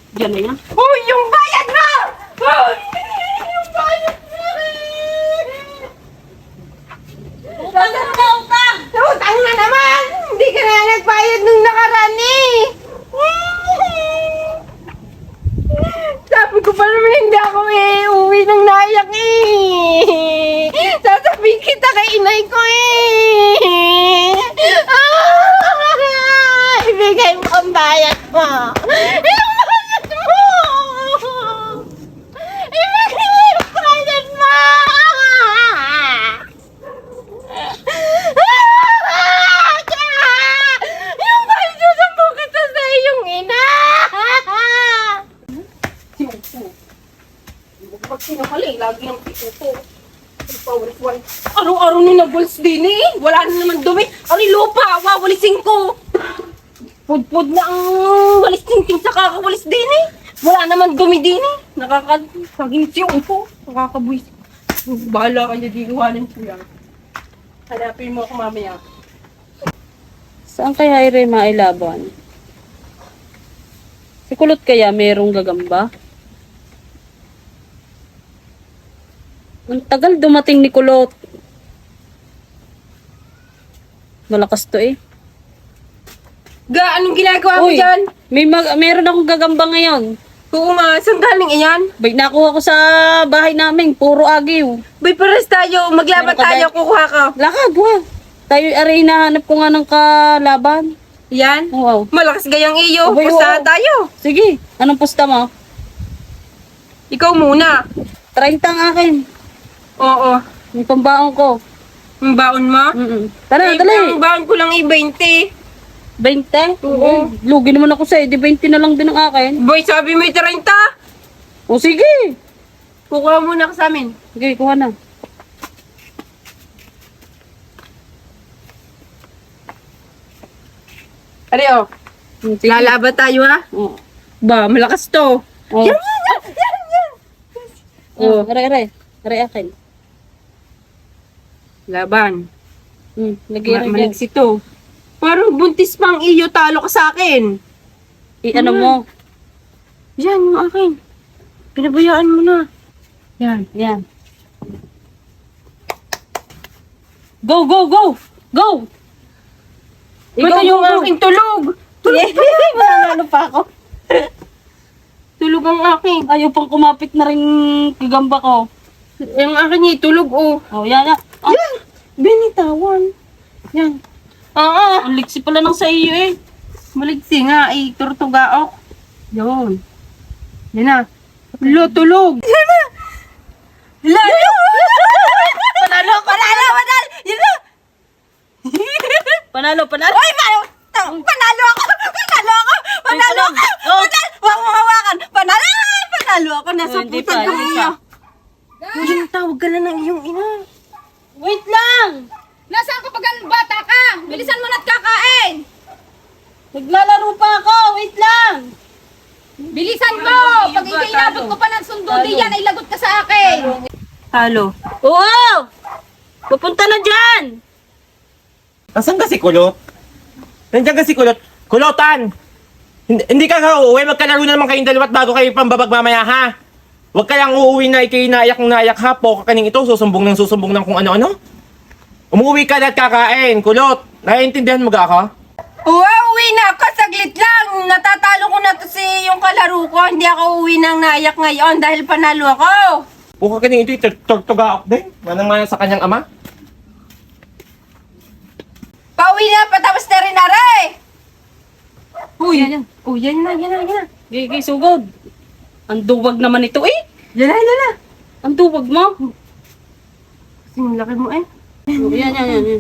Diyan na yan. Uy, yung bayad mo! Uy, yung bayad mo! Utang na ba, utang? Utang na naman! Hindi ka na nagbayad nung nakaraan eh! Sabi ko pa naman hindi ako uwi ng nayak eh! Sasabihin kita kay inay ko eh! Ibigay mo ang bayad mo! Yung bayad mo! Ibigay mo yung bayad mo! Yung bayad mo sa kita sa iyong ina! Si Upo. Pag sinakaling, lagi ang Upo. Araw-araw ni nabuls din eh. Wala na naman dumi. Ang lupa, wawalisin ko. Pudpud na ang walis ting sa kakawalis din eh. Wala naman dumi din eh. Nakakaging si Upo. Nakakabuis. Bahala ka niya, diluwanan ko yan. Hanapin mo ako mamaya. Saan kaya Ire mailaban? Si Kulot kaya merong gagamba? Ang tagal dumating ni Kulot. Malakas to eh. Ga, anong ginagawa mo Uy, dyan? meron akong gagamba ngayon. Oo nga, saan galing iyan? Bay, nakuha ko sa bahay namin. Puro agiw. Bay, pares tayo. Maglaban Meron ka tayo, dyan? kukuha ka. Lakad, wag. Tayo, aray, hinahanap ko nga ng kalaban. Yan? Wow. Malakas gayang iyo. Abay, Pustahan oo. tayo. Sige, anong pusta mo? Ikaw muna. 30 ang akin. Oo. Yung pambaon ko. Ang baon mo? Tara, dali. Ang baon ko lang 20. 20? Oo. Lugi naman ako sa'yo. Di 20 na lang din ang akin. Boy, sabi mo 30. O sige. Kukuha muna ka sa amin. Sige, kuha na. Ari, oh. Sige. Lalaban tayo, ha? Oh. Ba, malakas to. Oh. Yan, yan, yan, yan. Oh, aray. Aray akin. Laban. Lagay rin yan. Maliksi to. Parang buntis pang iyo, talo ka sa akin. Ano mo? Yan, yung akin. Pinabayaan mo na. Yan. Yan. Go, go, go! Go! Ikaw yung go. aking tulog. Mananalo pa ako. Tulog ang aking. Ayaw pang kumapit na rin kagamba ko. Yung akin niya, tulog, oh. Oh, yan. Oh. Yan! Binitawan. Yan. Oo. Ang liksi pala ng sa iyo eh. Maligsi nga, ay turtugaok. Yun. Yan na. Lo, tulog. Yan na. Lalo! Panalo! Panalo! Panalo! Yan na! Panalo. Ay, panalo ako! Panalo ako! Panalo ako! Oh. Panalo! Huwag mo hawakan! Panalo! Ay, panalo ako! Nasa Oh, hindi putan pa, ko hindi iyo. pa. Yung tawag ka na ng iyong ina. Wait lang! Nasaan ka pag bata ka? Bilisan mo na't kakain! Naglalaro pa ako! Wait lang! Bilisan mo! Pag hindi inabot ko pa ng sundo Talo. diyan, ay lagot ka sa akin! Talo. Oo! Pupunta na dyan! Asan ka si Kulot? Nandiyan ka si Kulot. Kulotan! Hindi ka uuwi. Magkalaro na naman kayong dalawa't bago kayo pambabag mamaya, ha? Huwag ka lang uuwi na ikay naiyak ha. Po ka kaning ito. Susumbong ng kung ano-ano. Umuwi ka na at kakain. Kulot, naiintindihan mo ga ako? Uwi na ako. Saglit lang. Natatalo ko na to si yung kalaro ko. Hindi ako uwi ng naiyak ngayon dahil panalo ako. Po ka kaning ito. Tortuga ako din. Manang-mana sa kanyang ama. Pauwi na. Patapos na rin aray. Uy. Yan. Yan na. Gigi, sugod. Ang duwag naman ito eh. Yan na. Ang duwag mo. Kasi yung laki mo eh. Oh, yan.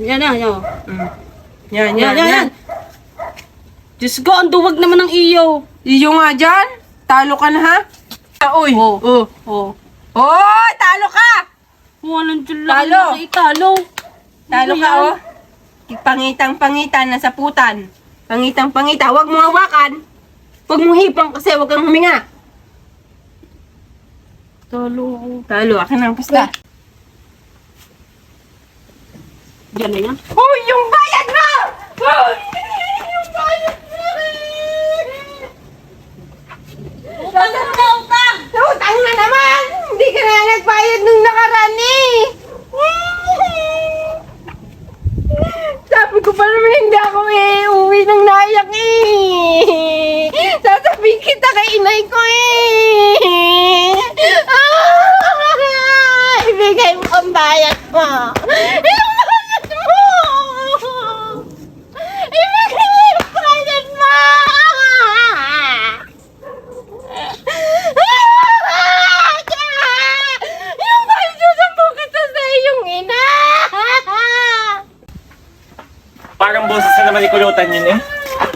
Yan. Diyos ko, ang duwag naman ng iyo. Iyo nga dyan. Talo ka na ha. Uy. Oh. Oh. Oy, talo ka. Walang dyan lang. Talo. Talo. Talo ka oh. Pangitang-pangitan nasa putan. Pangitang-pangita. Huwag mo hawakan. Huwag mo hipang kasi huwag kang huminga. Talo. Talo, akin ang pusta. Yan na yan. Uy, yung bayad mo! Uy, yung bayad mo! inay ko eh. Ibigay mo ang bayad mo. Yung bayad mo. Ibigay mo yung bayad mo. Yung bayad mo, sampung kita sa iyong ina. Parang boses na naman ni Kulutan yun eh.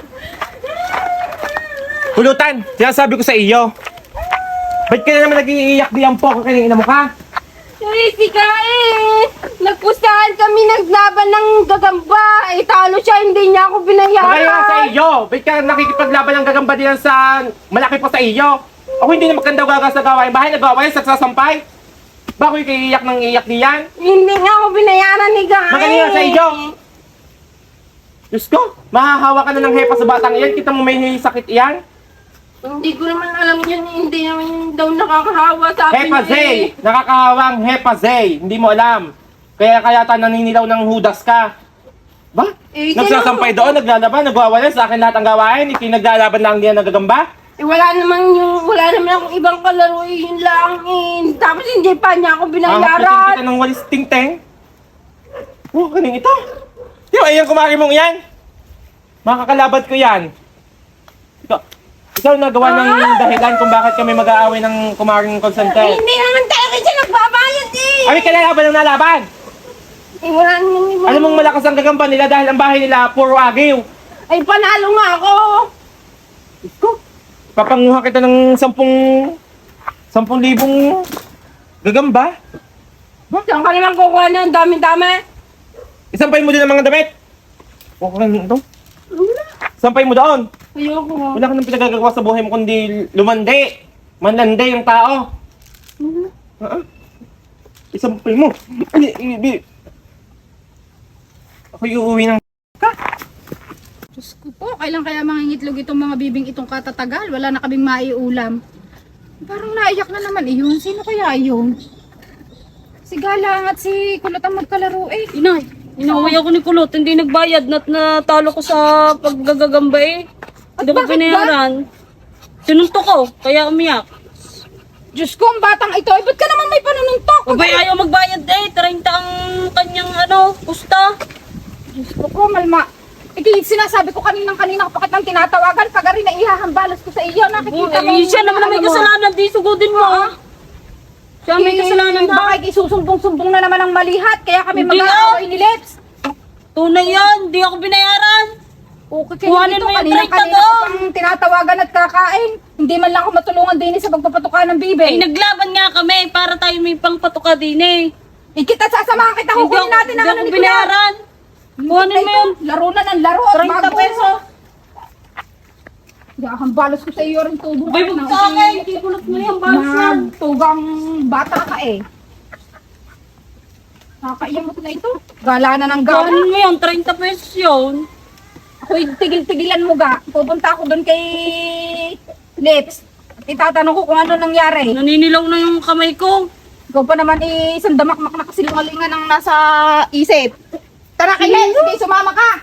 Kulutan, sinasabi ko sa iyo. Ba't ka na naman nag-iiyak diyan po kung kanina mo ka? Si ka eh. Nagpustahan kami naglaban ng gagamba. Eh, talo siya, hindi niya ako binayaran. Kaya nga sa iyo. Ba't ka nakikipaglaban ng gagamba diyan sa malaki pa sa iyo? Ako hindi na maganda gagas na gawain bahay, nagawain sa sasampay. Bako yung iiyak ng iiyak diyan? Hindi nga ako binayaran ni Guy. Magaling nga sa iyo. Diyos ko, mahahawa ka na ng hepa sa batang iyan. Kita mo may sakit iyan. Hindi ko naman alam yun. Hindi naman daw nakakahawa sa akin. Hepa Zay! Nakakahawang Hepa Zay! Hindi mo alam. Kaya ta naninilaw ng hudas ka. Ba? Eh, Nagsasampay doon, naglalaban, nagwawalan sa akin lahat ang gawain. Naglalaban lang diyan nagagamba. Eh, wala naman akong ibang kalaro eh. Yun lang eh. Tapos hindi pa niya ako Hahaplutin binayaran. kita ng walis ting-teng. Oh, kaning ito. Di ba, ayan kumari mong yan. Makakalabat ko yan. Ikaw nagawa ng dahilan kung bakit kami mag-aaway ng kumaring consented. Hindi naman talaga siya nagbabayad eh. Ay, kalalaban ng nalaban. Eh, wala naman ibang... Alam mong malakas ang gagamba nila dahil ang bahay nila puro agiw. Ay, panalo nga ako. Iko, papanguha kita ng 10,000 gagamba. Saan ka naman kukuha ng dami-dami? Isampay mo din ang mga damit. Okay lang ito. Sampay mo doon. Ayoko. Wala ka nang pinagagawa sa buhay mo kundi lumandi. Manlandi yung tao. Isampay mo. Ako uuwi ng... Diyos ko po, kailan kaya mangingitlog itong mga bibing itong katatagal? Wala na kaming maiulam. Parang naiyak na naman iyon. Sino kaya iyon? Si Galang at si Kulot ang magkalaro eh. Inay, inaway ako ni Kulot. Hindi nagbayad. Natalo ko sa paggagagamba eh. Hindi ko bakit binayaran. Sinuntok ko, kaya umiyak. Diyos ko, ang batang ito. Ba't ka naman may panununtok? Abay, ayaw magbayad eh. 30 ang kanyang pusta. Diyos ko po, malma. Iti, sinasabi ko kanina kapag nang tinatawagan, pag rin na ihahambalas ko sa iyo. Nakikita mo. Siya naman ang may kasalanan. Di sugudin mo. Siya may kasalanan ha. Baka isusumbong-sumbong na naman ang malihat. Kaya kami Hindi mag-aaway ni Lips. Tunay yan. Di ako binayaran. Okay, Kuhanin ito, mo yung kanina 30 ko doon. pang tinatawagan at kakain. Hindi man lang ako matulungan din sa pagpapatuka ng bibe. Ay, naglaban nga kami para tayo may pangpatuka din eh. Ikita sasamahan kita, kukunin natin ang Hindi ano ako ni Kuya. binayaran. Kuhanin mo yun. Laro na ng laro. 30 pesos. Hambalos ko sa iyo rin tubo. Bay, wag sa akin. Hindi kulot mo yung balas yan. Tugang bata ka eh. Nakakaiyamot na ito. Gala na ng gala. Kuhanin mo yun. 30 pesos yun. Ako'y tigil-tigilan mo ga. Pupunta ako doon kay Lips. Itatanong ko kung ano nangyari. Naninilaw na yung kamay ko. Ikaw pa naman isang damakmak na kasilungalingan ang nasa isip. Tara kay Lips, sige sumama ka.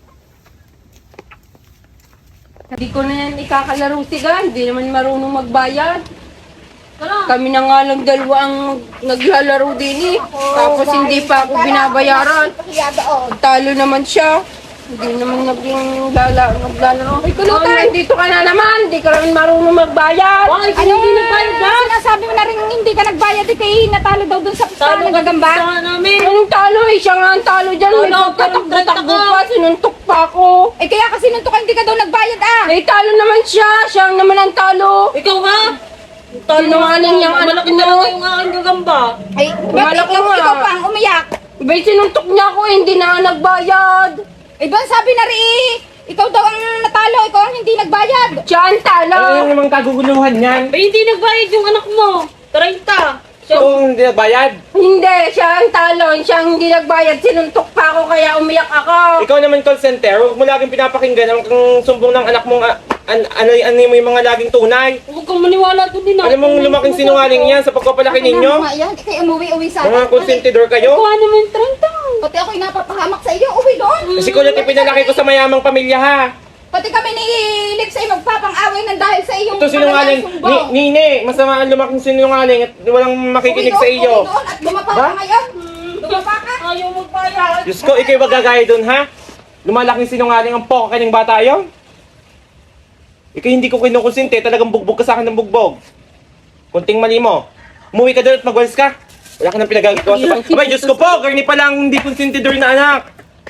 Hindi ko na yan ikakalaro si Guy. Hindi naman marunong magbayad. Tara. Kami na nga lang dalawa ang naglalaro din eh. Tapos hindi pa ako binabayaran. Talo naman siya. Hindi naman naglalaro. Ay, Kulutan, dito ka na naman. Hindi ka naman marunong magbayad. Ay, Ano hindi nagbayad na. Sinasabi mo na rin hindi ka nagbayad eh kay natalo daw dun sa Talo ng gagamba. Sa namin. Anong talo eh? Siya nga ang talo dyan. May Talo, pagkatakbo talo, pa. Sinuntok pa ako. Eh kaya kasi nung to ka hindi ka daw nagbayad ah. Eh, talo naman siya. Siya ang naman ang talo. Ikaw nga. Sinungaling yung anak Malaki mo. talaga yung aking gagamba. Ay, Wala bakit ko nga. ikaw pa ang umiyak? Iba'y sinuntok niya ako eh. Hindi na nga nagbayad. Eh ba sabi na rin ikaw daw ang natalo, ikaw ang hindi nagbayad. Siya ang talo. Ano yung namang kaguguluhan yan? Ba, hindi nagbayad yung anak mo. 30. Siya, Kung hindi nagbayad. Hindi, siya ang talo. Siya ang hindi nagbayad. Sinuntok pa ako kaya umiyak ako. Ikaw naman call center, huwag mo laging pinapakinggan ang sumbong ng anak mong ano mo yung mga laging tunay. huwag kang maniwala doon din. Alam mong lumaking sinungaling yan sa pagpapalaki ninyo? Yan, ikay umuwi-uwi sa Mga konsentidor kayo? Kuha naman yung 30. Pati ako'y napapahamak sa iyo, uwi doon. Kasi kulot yung pinalaki ko sa mayamang pamilya ha. Pati kami ni Lips ay magpapang-away ng dahil sa iyong Ito sinungaling. sumbong. Nini, masama ang lumaking sinungaling at walang makikinig sa iyo. Doon at dumapa Ha? ka ngayon. Dumapa ka. Ayaw magbayad. Diyos ko, ikaw magagaya doon, ha? Lumalaking sinungaling ang poko kanyang bata yun? Ikaw hindi ko kinukonsinti, talagang bugbog ka sa akin ng bugbog. Kunting mali mo. Umuwi ka doon at magwalis ka. Wala ka nang pinagagawa sa bahay. Abay, Diyos ko po, karni pa lang hindi konsentidor na anak.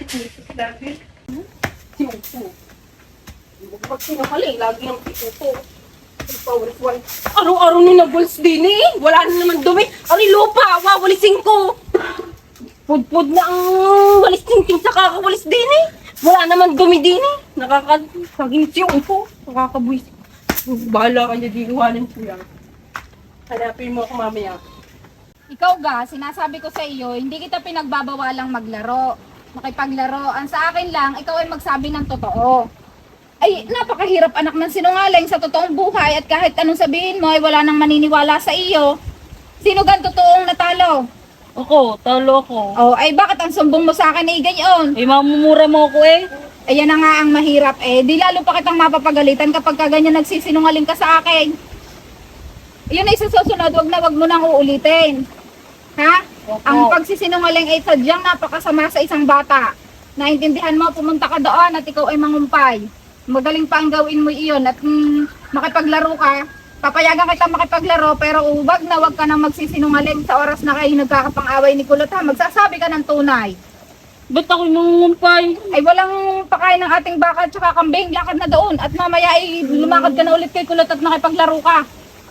Pag sinungaling, lagi ng pituto. Araw-araw ni nagulis din eh. Wala na naman dumi. Ang lupa, wawalisin ko. Pudpud na ang walis tingting sa kakawalis din eh. Wala naman dumi din eh. Nakakaging ko. Nakakabuis. Bahala ka niya, diiwanan ko yan. Hanapin mo ako mamaya. Ikaw ga, sinasabi ko sa iyo, hindi kita pinagbabawalang maglaro. Makipaglaro. Ang sa akin lang, ikaw ay magsabi ng totoo. Ay, napakahirap anak ng sinungaling sa totoong buhay at kahit anong sabihin mo ay wala nang maniniwala sa iyo. Sino gan totoong natalo? Ako, talo ako. Oh, ay bakit ang sumbong mo sa akin ay ganyan? Eh, mamumura mo ako eh. Ayan na nga ang mahirap eh. Di lalo pa kitang mapapagalitan kapag ka ganyan nagsisinungaling ka sa akin. Yun ay sa susunod, wag mo nang uulitin. Ha? Opo. Ang pagsisinungaling ay sadyang napakasama sa isang bata. Naintindihan mo, pumunta ka doon at ikaw ay mangumpay. Magaling pa ang gawin mo iyon at makipaglaro ka. Papayagan kita makipaglaro pero wag ka nang magsisinungaling sa oras na kayo nagkakapang-away ni Kulot ha. Magsasabi ka ng tunay. Ba't ako mangungumpay? Ay walang pakain ng ating baka at saka kambing. Lakad na doon at mamaya ay lumakad ka na ulit kay Kulot at makipaglaro ka.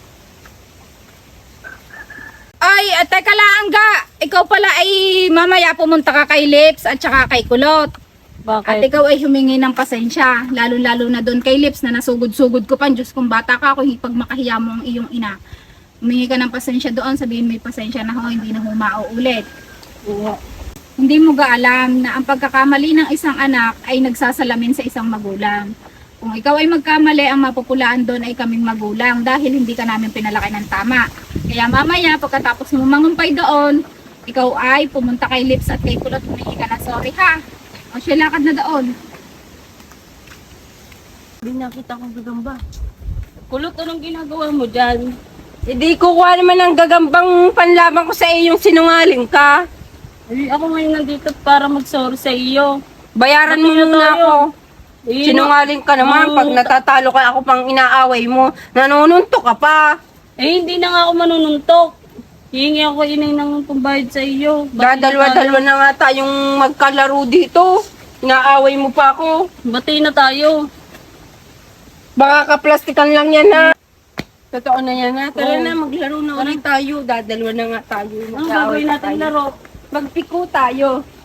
Ay, teka lang ga. Ikaw pala ay mamaya pumunta ka kay Lips at saka kay Kulot. At Bakit? ikaw ay humingi ng pasensya, lalo-lalo na doon kay Lips na nasugod-sugod ko pa. Diyos kung bata ka, kung pag makahiya mo ang iyong ina. Humingi ka ng pasensya doon, sabihin may pasensya na ho, hindi na humauulit. Hindi mo ga alam na ang pagkakamali ng isang anak ay nagsasalamin sa isang magulang. Kung ikaw ay magkamali, ang mapupulaan doon ay kaming magulang dahil hindi ka namin pinalaki ng tama. Kaya mamaya, pagkatapos mo mangumpay doon, ikaw ay pumunta kay Lips at kay Kulot, humingi ka na sorry ha. O siya lakad na doon. Hindi nakita kong gagamba. Kulot, anong ginagawa mo dyan? Hindi kukuha naman ng gagambang panlaban ko sa iyong sinungaling ka. Eh, ako ngayon nandito para mag-sorry sa iyo. Bayaran mo Pati na muna tayo. ako. Eh, Sinungaling ka naman. Pag natatalo ka ako pang inaaway mo, nanununtok ka pa. Eh, hindi na nga ako manununtok. Hihingi ako inay ng pambayad sa iyo. Dadalwa-dalwa na nga tayong magkalaro dito. Inaaway mo pa ako. Bati na tayo. Baka kaplastikan lang yan ha. Totoo na yan ha. Tara Oo. na, maglaro na ulit tayo. Dadalwa na nga tayo. Anong gagawin natin laro? Magpiko tayo.